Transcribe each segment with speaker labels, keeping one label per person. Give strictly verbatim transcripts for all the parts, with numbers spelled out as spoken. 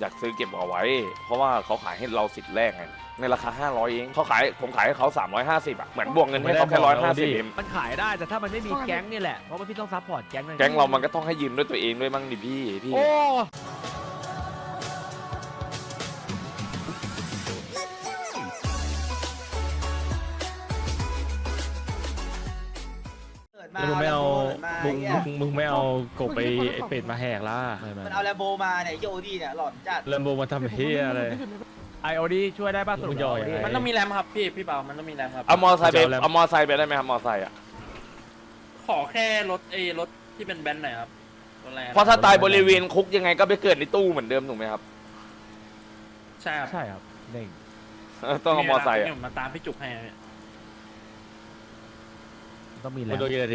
Speaker 1: อยากซื้อเก็บเอาไว้ เพราะว่าเขาขายให้เราสิทธิ์แรกไงในราคาห้าร้อยเองเขาขายผมขายให้เขาสามร้อยห้าสิบอ่ะเหมือนบวกเงินให้เขาแค่ร้อยห้าสิบเอง
Speaker 2: มันขายได้แต่ถ้ามันไม่มีแก๊งนี่แหละเพราะว่าพี่ต้องซัพพอร์ตแก๊งนั่น
Speaker 1: แก๊งเรามันก็ต้องให้ยืมด้วยตัวเองด้วยมั้งดิพี่พี่
Speaker 2: โอ้
Speaker 3: แล้วมึงไม่เอามึงมึงมึงไม่เอากบไปไอเป็ดมาแหกล่ะ
Speaker 4: มันเอาแลมโบมาเนี่ยโยดี้เนี่ยหลอนจัด
Speaker 3: เรมโบมาทำเฮียอะไร
Speaker 2: ไอโอดีช่วยได้ป่ะสรุ
Speaker 3: มึ
Speaker 2: ป
Speaker 3: งย่อย
Speaker 2: ดิ
Speaker 3: ไง
Speaker 5: มันต้องมีแรมครับพี่พี่เปามันต้องมีแรมครับ
Speaker 1: เอามอไซค์ไป
Speaker 3: จะเอาแล้ว
Speaker 1: เอามอไซค์ไปได้ไหมครับมอไซค์อ่ะ
Speaker 5: ขอแค่รถเอรถที่เป็นแบนหน่อยครับรถอะไร
Speaker 1: เพราะถ้าตายบริเวณคุกยังไงก็ไปเกิดในตู้เหมือนเดิมถูกไหมครับ
Speaker 5: ใช่ครับ
Speaker 2: ใช่ครับเด้ง
Speaker 1: ต้องเอามอไซค์อ่ะ
Speaker 5: เดี๋ยวมาตามพี่จุกให้นะเนี่ย
Speaker 2: ต้องมีแล้
Speaker 3: มึ
Speaker 2: ว
Speaker 3: งโดนกี่นาที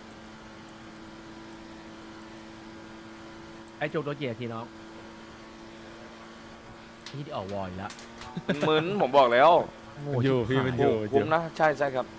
Speaker 2: ไอโจกโดนเจียทีน้องที่ที่ออกวอลอีกแล้ว
Speaker 1: เหมือนผมบอกแล้ว
Speaker 3: มันอยู่พี่มันอยู่
Speaker 1: ผมนะใช่ใช่ครับ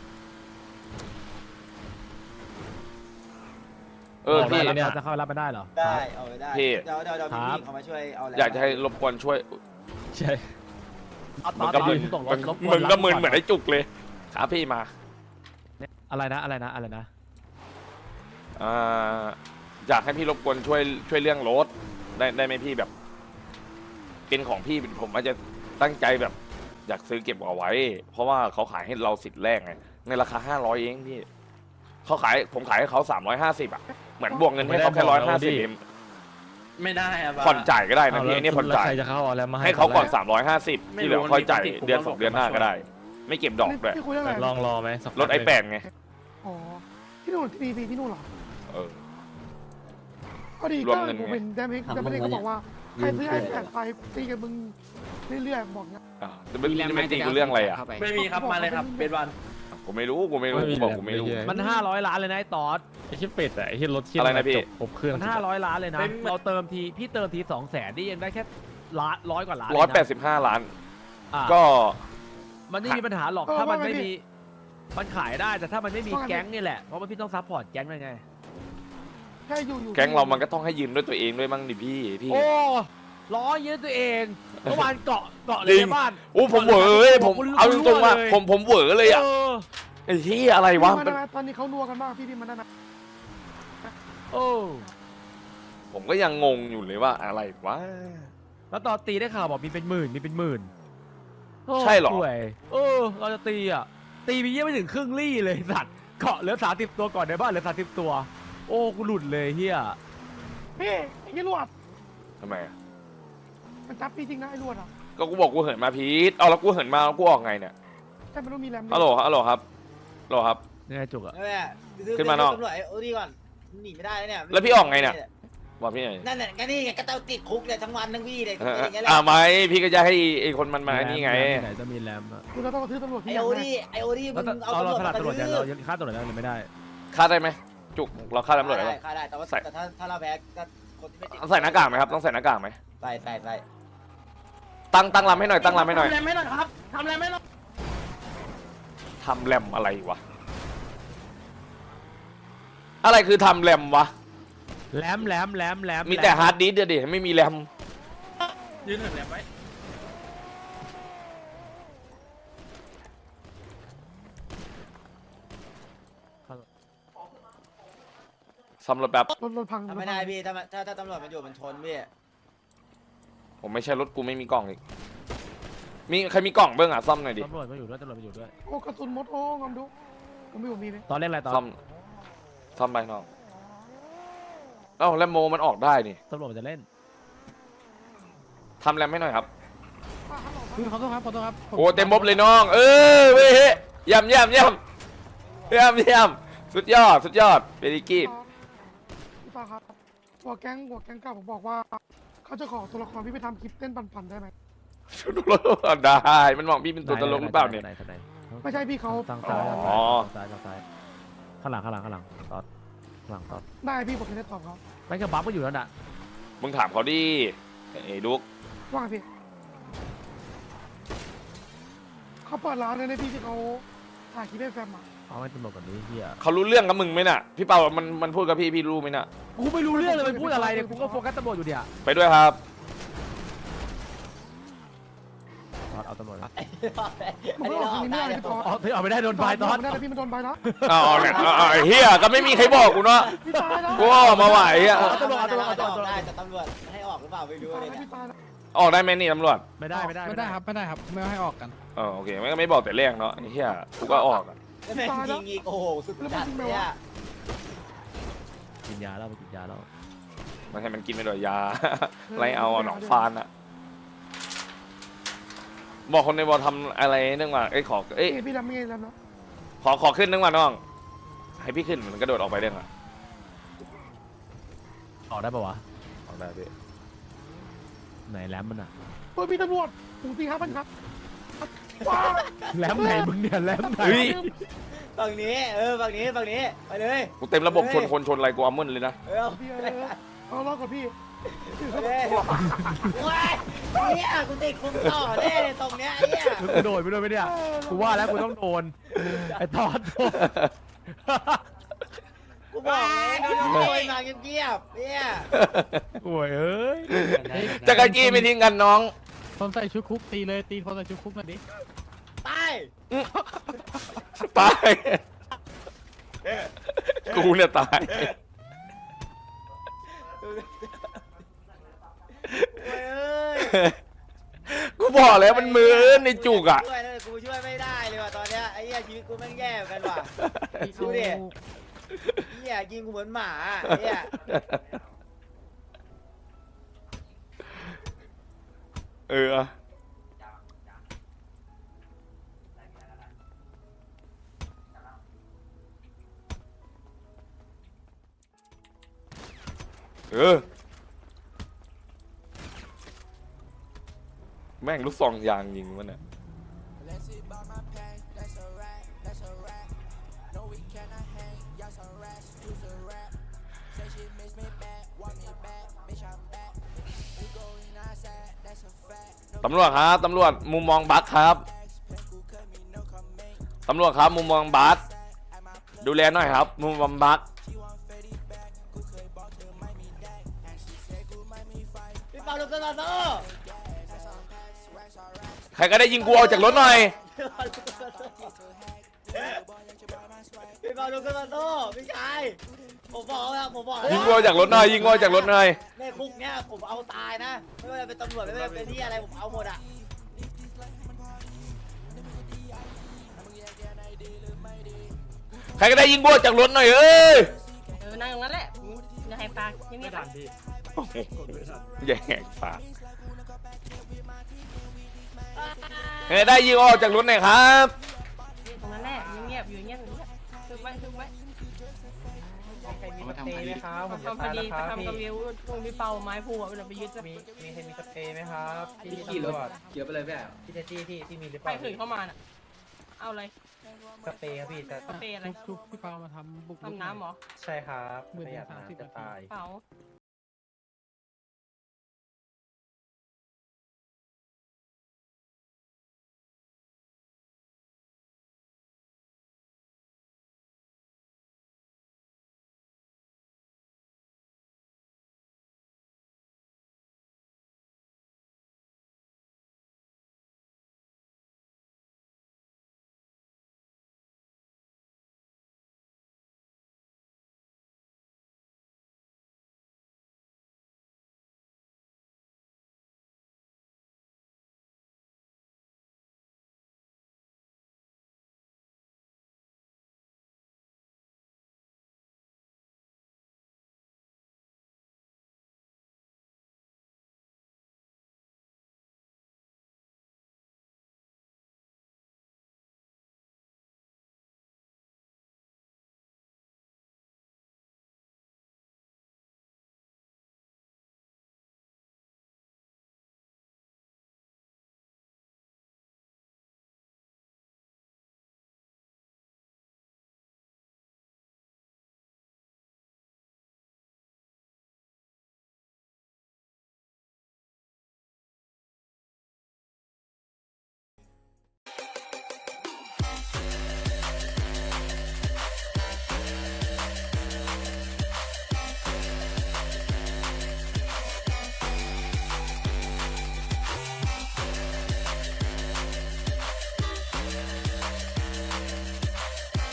Speaker 1: เออพี่
Speaker 2: เราเราจะเข้ารับมาได้เหรอ
Speaker 4: ได้เอาไปได้
Speaker 1: พี่
Speaker 4: เดี๋ยวเดี๋ยวเดี๋ยว
Speaker 2: ครั
Speaker 4: พี่
Speaker 2: บ
Speaker 4: เขามาช่วยเอาแลม
Speaker 1: อยากจะให้รบกวนช่วย
Speaker 3: ใช่
Speaker 2: เอา
Speaker 1: มึ
Speaker 2: ต่
Speaker 1: ง
Speaker 2: อ
Speaker 1: ก็
Speaker 2: ต่อ
Speaker 1: มึน
Speaker 2: ส่งรถรบกว
Speaker 1: มึ
Speaker 2: น
Speaker 1: งก็มึนเหมือนไอ้จุกเลยครับพี่มา
Speaker 2: อะไรนะอะไรนะอะไรนะ
Speaker 1: อ่าอยากให้พี่รบกวนช่วยช่วยเรื่องรถได้ได้ไหมพี่แบบ เป็นของพี่ผมอาจจะตั้งใจแบบ อยากซื้อเก็บเอาไว้ เพราะว่าเขาขายให้เราสิทธิ์แรกไงในราคาห้าร้อยเองพี่เขาขายผมขายให้เขาสามร้อยห้าสิบอ่ะเหมือนบวกเงินให้เขาแค่ร้อยห้าสิบเอง
Speaker 5: ไม่ได้ครับ
Speaker 1: ผ่อนจ่ายก็ได้นะ
Speaker 3: เอา
Speaker 1: พี่
Speaker 3: แล้ว
Speaker 1: อันนี้ผ่อน
Speaker 3: แล้ว
Speaker 1: จ่าย
Speaker 3: ใครจะเข้าเอาแล้วมาให้
Speaker 1: ให้เขาก่อน
Speaker 3: ตแร
Speaker 1: สามร้อยห้าสิบที่เหลือค่อยจ่ายเดือนสองเดือนหน้าก็ได้ ไม่เก็บดอกด้วย
Speaker 6: พี่คุยเรื่องอะไร
Speaker 3: ลองรอไหมสัก
Speaker 1: รถไอแปดไง
Speaker 6: อ๋อที่นู่นที่นี่ที่นู่นเหรอ
Speaker 1: เออ
Speaker 6: ก็ดี
Speaker 1: รว
Speaker 6: ก็
Speaker 1: มเงิน
Speaker 6: ผม
Speaker 1: ไง
Speaker 6: เป็นแดมเฮกแดมเฮกเขาบอกว่าใครซื้อไอแปดไปตีกันมึงเรื่อยๆบอกเนี้ย
Speaker 1: อ่ะจะไม่จะไม่ตีกูเรื่องอะไรอ่ะ
Speaker 5: ไม่มีครับมาเลยครับเบสวัน
Speaker 1: กูไม่รู้กูไม่รู้กูบอกกูไม่รู้
Speaker 2: มันห้าร้อยล้านเลยนะไอ้ตอด
Speaker 3: ไอ้ที่เป็ดอะไอ้ที่รถที่
Speaker 1: อะไรนะพี่
Speaker 3: จบครบเครื่อง
Speaker 2: มันห้าร้อยล้านเลยนะเราเติมทีพี่เติมทีสองแสนนี่ยังได้แค่ล้านร้อยกว่าล้าน
Speaker 1: ร้อยแปดสิบห้าล้าน
Speaker 2: อ่ะ
Speaker 1: ก็
Speaker 2: มันไม่มีปัญหาหรอกถ้ามันไม่มีมันขายได้แต่ถ้ามันไม่มีแก๊งนี่แหละเพราะว่าพี่ต้องซัพพอร์ตแก๊งนั่นไง
Speaker 6: แค่อยู่อยู่
Speaker 1: แก๊งเรามันก็ต้องให้ยืมด้วยตัวเองด้วยมั้งดิพี่พี่
Speaker 2: โอ้ล้อเยอะตัวเองเมื่อวานเกาะเกาะเล
Speaker 1: จริ
Speaker 2: ย
Speaker 1: ง
Speaker 2: ในบ้าน
Speaker 1: โอ้ผมเหวอเลยผมเอาตรงๆว่าผมผมเหวอเลยอ่ะ
Speaker 2: เออ
Speaker 1: ไอ้ที่อะไรวะ
Speaker 6: พี่
Speaker 1: มัน
Speaker 6: มาตอนนี้เขานัวกันมากพี่พี่มันนั่นนะ
Speaker 2: โอ้
Speaker 1: ผมก็ยังงงอยู่เลยว่าอะไรวะ
Speaker 2: แล้วตอนตีได้ข่าวบอกมีเป็นหมื่นมีเป็นหมื่นโ
Speaker 1: ใช่เหรอ
Speaker 2: สวยเออเราจะตีอ่ะตีมีเยี่ยไม่ถึงครึ่งลี่เลยสัตว์เกาะเหลือสามสิบตัวก่อนในบ้านเหลือสามสิบตัว โอ้กูหลุดเลยเฮีย
Speaker 6: พี่ไอ้ยี่ลวด
Speaker 1: ทำไมอะ
Speaker 6: มันจับพี่จริงนะไอ้ลวดอ่ะ
Speaker 1: ก็กูบอกกูเหินมาพีทเอาแล้วกูเหินมาแล้วกูออกไงเนี่ย
Speaker 6: แต่มันต้องมีแรม
Speaker 1: ฮัลโหลฮัลโหลครับฮัลโหลครับ
Speaker 2: เนี่ยจุกอ่ะ
Speaker 4: แม่ซื้อ
Speaker 1: ขึ้นมานอก
Speaker 4: ตำรวจไอ้โอดี้ก่อนหนีไม่ได้เนี่ย
Speaker 1: แล้วพี่ออกไงเนี่ย บอกพี่หน่อย
Speaker 4: นั่นแหละก็นี่ไงก็ต้องติดคุกเลยทั้งวันทั้งวี่เลย
Speaker 1: เออ
Speaker 4: เป็นอย่างเงี้ยแหละ
Speaker 1: อ่าไหมพี่ก็จะให้ไอ้คนมันมานี่ไง
Speaker 2: แรมที่ไหนจะมีแรมอะ
Speaker 6: คือเราต้องกระทืบตำรวจ
Speaker 4: ไอ
Speaker 6: ที่
Speaker 4: โอ
Speaker 6: ไหน
Speaker 4: ดี้ไอโอดี้มึ
Speaker 2: แล้ว
Speaker 4: ง
Speaker 2: ต
Speaker 4: เอา
Speaker 2: อน
Speaker 4: ตำร
Speaker 2: เรา
Speaker 4: วจ
Speaker 2: ขนาด
Speaker 4: มา
Speaker 2: ตำรวจ
Speaker 4: ก
Speaker 2: เนี่ย
Speaker 4: ระ
Speaker 2: เรา
Speaker 4: ทืบ
Speaker 2: ยังฆ่าตำรวจได้ไม่ได้
Speaker 1: ค่าได้ไหมจุกเราค่าตำรวจได้ปะ
Speaker 4: ค่าได้แต่ว่า
Speaker 1: ใส่
Speaker 4: แต่ถ้าถ้าเราแพ้ก็คนที่ไม่ติด
Speaker 1: ใส่หน้ากากไหมครับต้องใส่หน้ากากไหม
Speaker 4: ใส่ใส่ใส่
Speaker 1: ตั้งตั้งลำให้หน่อยตั้งลำให้หน่อย
Speaker 5: ทำอะไรไม่หน่อยครับทำอะไรไม่หน่อย
Speaker 1: ทำแรมอะไรวะอะไรคือทำแรมวะ
Speaker 2: แรมแรมแรมแรม
Speaker 1: มีแต่ฮาร์ดดิสก์เดียวดิไม่มีแรม
Speaker 5: ยืนเหินแรมไว้
Speaker 1: ซ่อมรถแบบ
Speaker 6: รถรถพัง
Speaker 4: ทำไม่ได้พี่ถ้ามันถ้าถ้าตำรวจมันอยู่มันชนพี่
Speaker 1: ผมไม่ใช่รถกูไม่มีกล่องอีกมีใครมีกล่องเบิ้งอ่ะซ่อมหน่อยดิ
Speaker 2: ตำรวจมาอยู่ด้วยตำรวจมาอยู่ด้วย
Speaker 6: โอ้กระสุนหมดโอ้งอมดูก็ไม่ผมมีเลย
Speaker 2: ตอนเล่นอะไรตอน
Speaker 1: ซ่อมซ่อมไปน้องเอ้าแรมโมมันออกได้นี่
Speaker 2: ตำรวจมันจะเล่น
Speaker 1: ทำแรมให้หน่อยครับ
Speaker 2: คือขอโทษครับขอโทษครับ
Speaker 1: โอ้เต็มบบเลยน้อง เออเว้ยเยี่ยมเยี่ยมเยี่ยมเยี่ยมเยี่ยมสุดยอดสุดยอดเบริกี้
Speaker 6: พี่ฟ้าครับหัวแก๊งหัวแก๊งเก่าผมบอกว่าเขาจะขอตัวละครพี่ไปทำคลิปเต้นปั่นๆได้ไหม
Speaker 1: ได้มันมองพี่เป็นตัวตลกหรือเปล่าเนี่ย
Speaker 2: ไหนไหน
Speaker 6: ไม่ใช่พี่เขา
Speaker 2: ทางซ้าย
Speaker 1: อ๋อ
Speaker 2: ทางซ้ายทางซ้ายข้างหลังข้างหลังข้างหลังตอดข้างหลังตอด
Speaker 6: ได้พี่ผมไม่ได้ตอบเขา
Speaker 2: ไม่ก็บัฟก็อยู่แล้วน่ะ
Speaker 1: มึงถามเขาดิไอ้ดุ๊ก
Speaker 6: ว่าไงพี่เขาเปิดร้านเลยนะพี่ที่เขาถ่ายคลิปให้แฟมอ่ะ
Speaker 2: เอาให้ตำรวจก่อนนี้เฮีย
Speaker 1: เขารู้เรื่องกับมึงไหมน่ะพี่เปามันมันพูดกับพี่พี่รู้ไหมน่ะ
Speaker 2: กูไม่รู้เรื่องเลยมันพูดอะไรเนี่ยกูก็โฟกัสตำรวจอยู่เนี่ย
Speaker 1: ไปด้วยครับ
Speaker 2: ตำรวจนะ
Speaker 6: มึงไม่ออกทางนี้ไม่ได้พี่ตอน
Speaker 2: อ๋อที่ออกไม่ได้โดนใบตอน
Speaker 6: ไม่ได้เลยพี่มันโดนใบแล้ว
Speaker 1: อ๋อเนี่ยอ๋อไอ้เฮียก็ไม่มีใครบอกกูเนาะ
Speaker 6: พี่ตายแล้ว
Speaker 1: กูออกมาไหวอ่ะ
Speaker 4: ตำรวจตำรวจออกได้แต่ตำรวจให้ออกหรือเปล่าไม่รู้
Speaker 6: ตาย
Speaker 4: เลย
Speaker 6: แล้ว
Speaker 4: เนี่ย
Speaker 6: พี่ตายแล้ว
Speaker 1: ออกได้ไหมนี่ตำรวจ
Speaker 2: ไม่ได้ไม่ได้
Speaker 7: ไม่ได้ครับไม่ได้ครับไม่ให้ออกกัน
Speaker 1: เออโอเคไม่ไม่บอกแต่แรกเนาะไอ้เฮียกูก็ออกอะ
Speaker 4: แล้วแม่งยิงอีกโอ้โหสุดจัดเนี่ย
Speaker 2: กินยาแล้วไปกินยาแล้ว
Speaker 1: มันให้มันกินไปด้วยยา ไล่เอาอะหนองฟานอะบอกคนในบอลทำอะไรนึงว่าเอ้ยขอเอ้ย
Speaker 6: เอ้ยพี่ดำไม่ไงแล้วเนาะ
Speaker 1: ขอขอขึ้นนึงว่าน้อง ให้พี่ขึ้นมันกระโดดออกไปเด้งอะ
Speaker 2: ออกได้ปะวะ
Speaker 1: ออกได้พี่
Speaker 2: ไหนแรมมันอะ
Speaker 6: เฮ้ยพี่ตำรวจถุงตีห้าพันครับว้าว
Speaker 2: แรมไหนมึงเนี่ยแรมไหน
Speaker 1: เฮ้ย
Speaker 4: ฝั่งนี้เออฝั่งนี้ฝั่งนี้ไปเลย
Speaker 1: กูเต็มระบบชนคนชนอะไรกูเอามึนเลยนะ
Speaker 4: เออ
Speaker 6: พี่เออเอารอดก่อนพี่
Speaker 4: ไปเลยโอ้ยเนี่ยกูติดคุมต่อแน่เลยตรงเนี้ยเนี่ย
Speaker 2: กูโดนไปด้วยไหมเนี่ยกูว่าแล้วกูต้องโดนไอ้ตอนโดน
Speaker 4: กูบอกแล้วโดนมาเงียบๆเนี่ย
Speaker 2: โอ้ยเอ้ย
Speaker 1: จักรจี้ไม่ทิ้งกันน้อง
Speaker 7: คนใส่ชุดคุกตีเลยตีคนใส่ชุดคุกหน่อยดิ
Speaker 4: ตาย
Speaker 1: ตาย กูเนี่ยตาย
Speaker 4: โอ้ยเอ้ย
Speaker 1: กูบอกแล้วมันมือในจุกอะ
Speaker 4: ช่วยเลยกูช่วยไม่ได้เลยว่ะตอนเนี้ยไอ้เหี้ยชีวิตกูแม่งแย่เหมือนกันว่ะดูดิเหี้ยยิงกูเหมือนหมาไอ้เหี้ย
Speaker 1: เออ เออ แม่งลูกซองยางยิงมันเนี่ยตำรวจครับ ตำรวจมุมมองบัคครับ ตำรวจครับ มุมมองบัคดูแลหน่อยครับ มุมมองบัค
Speaker 4: พี่เปาลูกกระโดด
Speaker 1: ใครก็ได้ยิงกูออกจากรถหน่อย
Speaker 4: พี่เปาลูกกระโดดพี่ชายผมบอกแล้วผมบอก
Speaker 1: ยิงกูออกจากรถหน่อย ยิงกูออกจากรถหน่อย
Speaker 4: ในคุกเนี้ยผมเอาตายนะไม่ว่าจะเป็นตำรวจไม่ว่าจะเป็นที่อะไรผมเอาหมดอ่ะ
Speaker 1: ใครก็ได้ยิงกูออกจากรถหน่อยเอ้ย
Speaker 8: เออนั่งตรงนั้นแหละอย่าให้ปากเงียบๆไป
Speaker 1: อย่าแหกปากใครได้ยิงออกจากรถหน่อยครับ
Speaker 8: ตรงนั้นแหละเงียบๆอยู่เงียบๆอยู่เงียบๆทึบไว้ทึบไว้
Speaker 9: มาทำคดีครับ
Speaker 8: ทำคดีไปทำกับวิวตรงที่เป่าไม้พูอ่ะเวลาไปยึดจะ
Speaker 9: มีมีใครมีสเปรย์ไหมครับพี่
Speaker 7: ขี่รถ
Speaker 9: เกี่ยวไปเลยพี่พี่เจจี้ที่ที่มีหรือเป
Speaker 8: ไป
Speaker 9: ล่า
Speaker 8: ถึงเข้ามาน่ะเอาอะไร
Speaker 9: สเปรย์ครับพี่จะ
Speaker 8: สเปรย์อะไร
Speaker 7: ชุบชุบพี่เปามาทำบุกรุก
Speaker 8: ทำน้ำเหรอ
Speaker 9: ใช่ครับ
Speaker 7: หมื่น
Speaker 9: ประหยัด
Speaker 7: สามสิบ
Speaker 9: น้ำจะตาย
Speaker 8: เปล่า